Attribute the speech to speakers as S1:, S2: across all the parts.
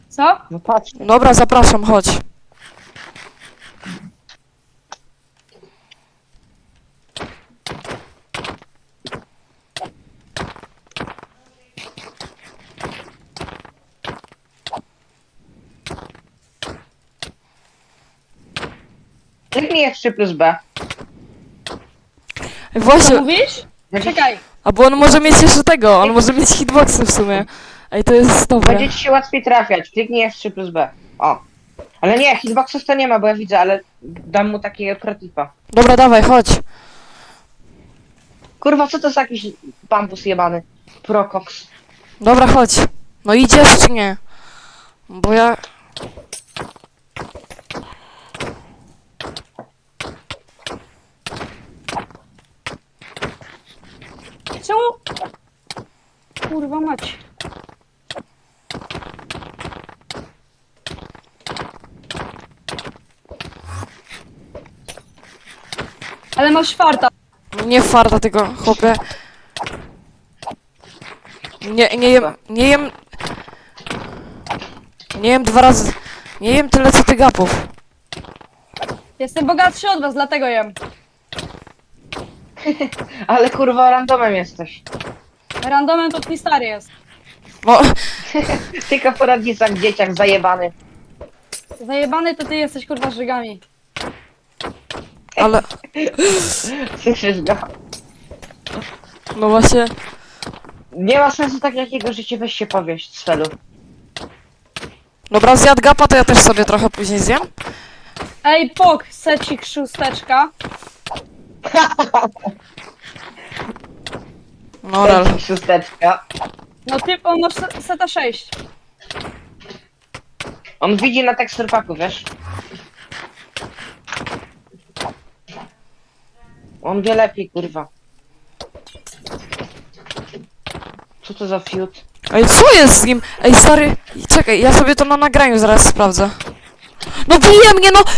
S1: Co?
S2: No patrz.
S3: Dobra, zapraszam, chodź.
S2: Kliknij F3 plus B.
S1: Co
S3: Właśnie,
S1: mówisz? Czekaj.
S3: a bo on może mieć jeszcze tego, on może mieć hitboxy w sumie. Ej, to jest dobre.
S2: Będzie ci się łatwiej trafiać. Kliknij F3 plus B. O. Ale nie, hitboxów to nie ma, bo ja widzę, ale dam mu takiego protipa.
S3: Dobra, dawaj, chodź.
S2: Kurwa, co to za jakiś bambus jebany? Procox.
S3: Dobra, chodź. No idziesz czy nie? Bo ja...
S1: Czemu? Kurwa mać. Ale masz farta.
S3: Nie farta tego, chłopie. Nie jem... Nie jem 2 razy... Nie jem tyle co ty gapów.
S1: Jestem bogatszy od was, dlatego jem.
S2: Ale kurwa, randomem jesteś.
S1: Randomem to twój stary jest.
S3: No,
S2: Tylko po rodzicach, dzieciach, zajebany.
S1: Zajebany to ty jesteś kurwa żygami.
S3: ale...
S2: Słyszysz go?
S3: No właśnie...
S2: Nie ma sensu tak jakiego życie, weź się powieść z felu.
S3: Dobra, zjadł gapa, to ja też sobie trochę później zjem.
S1: Ej, pok, secik szósteczka.
S3: No, rel.
S2: Szósteczka.
S1: No ty, on ma seta 6.
S2: On widzi na teksturpaku, wiesz? On wie lepiej, kurwa. Co to za fiut?
S3: Ej, co jest z nim? Ej, stary, czekaj, ja sobie to na nagraniu zaraz sprawdzę. No bije mnie, no!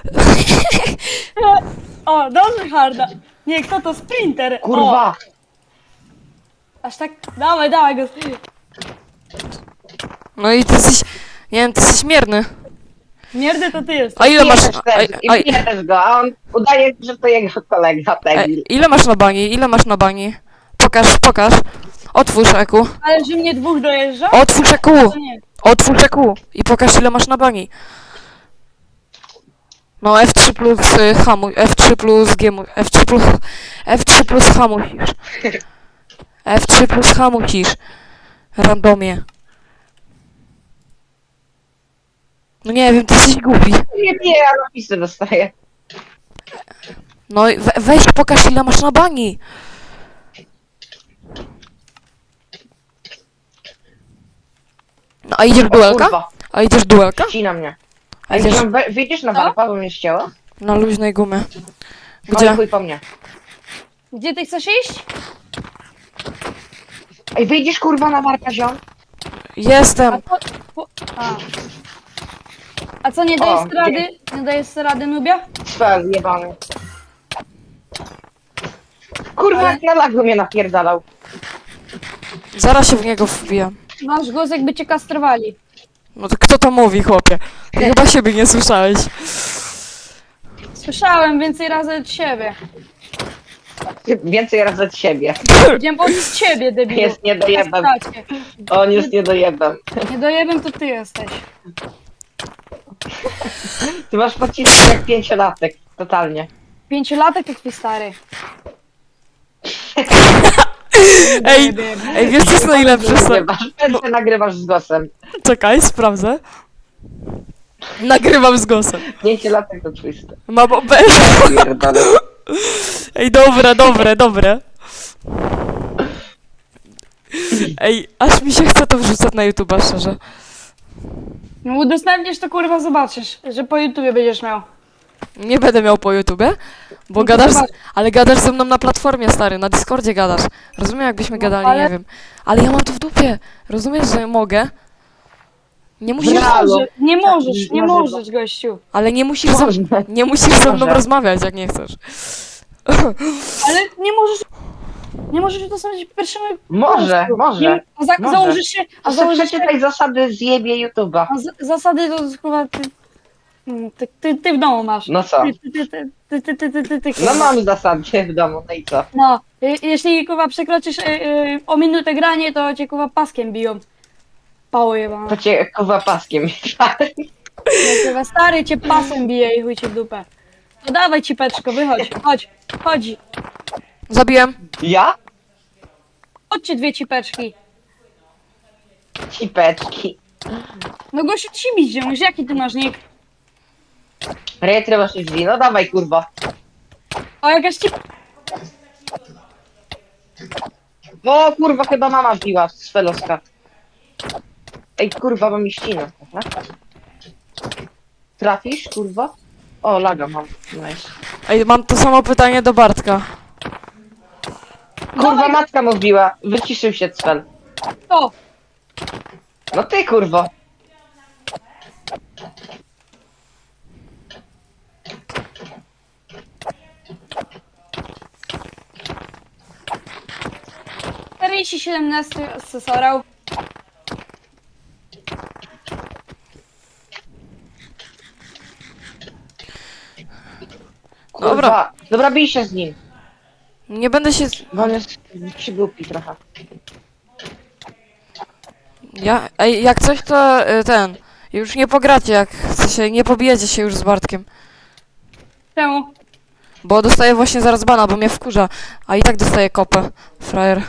S1: O, dobrze harda. Nie, kto to? Sprinter. O,
S2: Kurwa!
S1: aż tak, dawaj go.
S3: No i ty jesteś... Nie wiem, ty jesteś mierny.
S1: Mierdy to ty jesteś.
S3: A ile masz...
S2: Bije też, i bije też go, a on udaje, że to jego kolega, debil.
S3: Ile masz na bani? Ile masz na bani? Pokaż. Otwórz EQ.
S1: Ale że mnie dwóch dojeżdża?
S3: Otwórz EQ.
S1: To nie.
S3: Otwórz EQ. I pokaż ile masz na bani. No F3 plus hamuj, F3 plus G, F3 plus H musisz. F3 plus H musisz. Randomie. No nie wiem, ty jesteś głupi.
S2: Nie, ja napisy dostaję.
S3: No i weź pokaż ile masz na bani. No a idziesz
S2: O
S3: duelka?
S2: kurwa,
S3: A idziesz duelka?
S2: ścina mnie.
S3: A
S2: Ej,
S3: idziesz
S2: wyjdziesz na
S1: Co?
S2: warpa, bo mnie ścięło?
S3: na luźnej gumie.
S2: Gdzie?
S3: Gdzie?
S2: Chuj po mnie.
S1: Gdzie ty chcesz iść?
S2: Ej, wyjdziesz kurwa na warpa, ziom?
S3: Jestem.
S1: A. A co, nie dajesz
S2: O,
S1: rady? Nie dajesz rady, Nubia?
S2: Spell jebany. Kurwa,
S1: Ale-
S2: jak na lagu mnie napierdalał.
S3: Zaraz się w niego wbijam.
S1: Masz głos, jakby cię kastrowali.
S3: No to kto to mówi, chłopie? Ty chyba siebie nie słyszałeś.
S1: Słyszałem więcej razy od siebie.
S2: Więcej razy od siebie.
S1: Powiedziałem od ciebie, debilu.
S2: Jest niedojebem.
S1: Kastracie.
S2: On jest niedojebem.
S1: Nie dojebem to ty jesteś.
S2: Ty masz pocisek jak 5-latek. Totalnie.
S1: 5-latek to twój stary.
S3: Ej, wiesz co jest najlepsze?
S2: Nagrywasz z głosem.
S3: Czekaj, sprawdzę. Nagrywam z głosem.
S2: 5-latek to twisty.
S3: Mam
S2: Pierdolę.
S3: Ej, dobre. Ej, aż mi się chce to wrzucać na YouTube'a, szczerze.
S1: No udostępnisz to kurwa zobaczysz, że po YouTubie będziesz miał.
S3: Nie będę miał po YouTubie, bo
S1: No to
S3: gadasz,
S1: zobacz.
S3: ale gadasz ze mną na platformie, stary, na Discordzie gadasz. Rozumiem, jakbyśmy gadali,
S1: ale-
S3: nie wiem. Ale ja mam to w dupie. Rozumiesz, że mogę? Nie musisz,
S2: Halo.
S1: Nie możesz, nie
S2: Może
S1: możesz, gościu.
S3: ale
S2: Można.
S3: nie musisz ze mną
S2: Może.
S3: rozmawiać, jak nie chcesz.
S1: Ale nie możesz... Nie możesz udostępnić pierwszemu...
S2: Może, może.
S1: Nie,
S2: może.
S1: założysz się... A
S2: To sobie
S1: założysz się...
S2: przeczytaj zasady, zjebie YouTube'a.
S1: Zasady to chyba ty w domu masz.
S2: No co?
S1: Ty,
S2: No mam zasady w domu, no i co?
S1: No, jeśli kurwa przekroczysz o minutę granie, to cię kurwa paskiem biją. Pało jebana.
S2: To cię kurwa paskiem.
S1: No, kurwa, stary cię pasem bije i chuj cię w dupę. No dawaj cipeczko, wychodź, chodź.
S3: Zabiłem.
S2: Ja?
S1: Chodźcie dwie cipeczki.
S2: Cipeczki.
S1: No gościu ci bić, już jaki ty masz nick?
S2: Retry masz drzwi, no dawaj kurwa.
S1: O jakaś cip...
S2: O kurwa, chyba mama wbiła z feloska. Ej kurwa, bo mi ścina. Dobra? Trafisz kurwa? O, laga mam. Nice.
S3: Ej, mam to samo pytanie do Bartka.
S2: Kurwa, matka mu wbiła. Wyciszył się cfel.
S1: O,
S2: No ty kurwo.
S1: Rysi 17 asesorał.
S2: Kurwa.
S3: Dobra.
S2: Dobra, bij się z nim.
S3: Nie będę się...
S2: Bo on jest przygłupi trochę.
S3: Ej, jak coś to ten... Już nie pogracie, jak chcecie, nie pobijecie się już z Bartkiem.
S1: Czemu?
S3: Bo dostaję właśnie zaraz bana, bo mnie wkurza. A i tak dostaję kopę, frajer.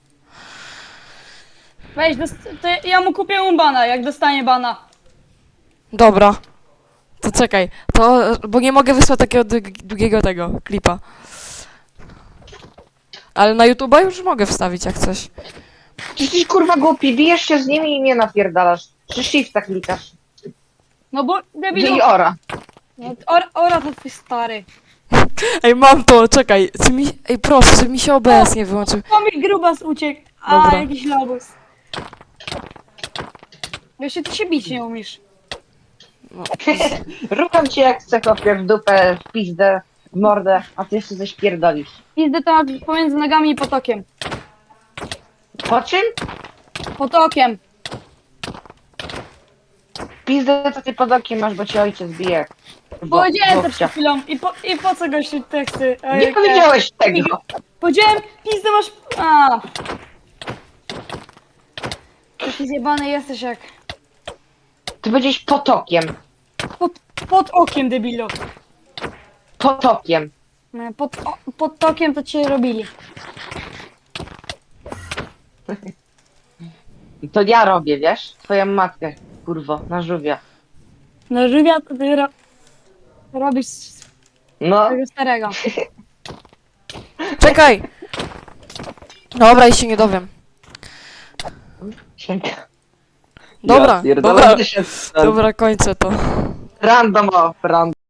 S1: Weź, to ja mu kupię bana, jak dostanie bana.
S3: Dobra. To czekaj, bo nie mogę wysłać takiego długiego tego klipa. Ale na YouTube'a już mogę wstawić jak coś.
S2: Ty jesteś kurwa głupi, bijesz się z nimi i mnie napierdalasz. Czy shifta klikasz?
S1: No bo debilu...
S2: I ora.
S1: No, Ora to twój stary.
S3: Ej, mam to, czekaj. Ej, proszę, żeby mi się OBS nie wyłączył.
S1: Komik grubas uciekł. A,
S3: Dobra.
S1: jakiś lobus. Jeszcze ty się bić nie umiesz.
S2: Rucham cię jak chcę, chłopie, w dupę, w pizdę, w mordę, a ty jeszcze coś pierdolisz.
S1: Pizdę to masz pomiędzy nogami i potokiem.
S2: Po czym?
S1: Potokiem.
S2: Pizdę to ty pod okiem masz, bo cię ojciec bije.
S1: Powiedziałem to
S2: Chłopcia.
S1: przed chwilą. I po co gościu teksty?
S2: Nie powiedziałeś tego.
S1: Powiedziałem, pizdę masz... A. Taki zjebany jesteś jak...
S2: Ty będziesz potokiem.
S1: Pod okiem, debilu.
S2: Potokiem.
S1: Pod tokiem to cię robili.
S2: To ja robię, wiesz? Twoją matkę, kurwo, na żółwia.
S1: No żywia to ty robisz
S2: No,
S1: tego starego.
S3: Czekaj! Dobra, i się nie dowiem.
S2: sięga.
S3: Dobra,
S2: Ja pierdolę,
S3: dobra,
S2: ty się-
S3: dobra, kończę to.
S2: Random off, random.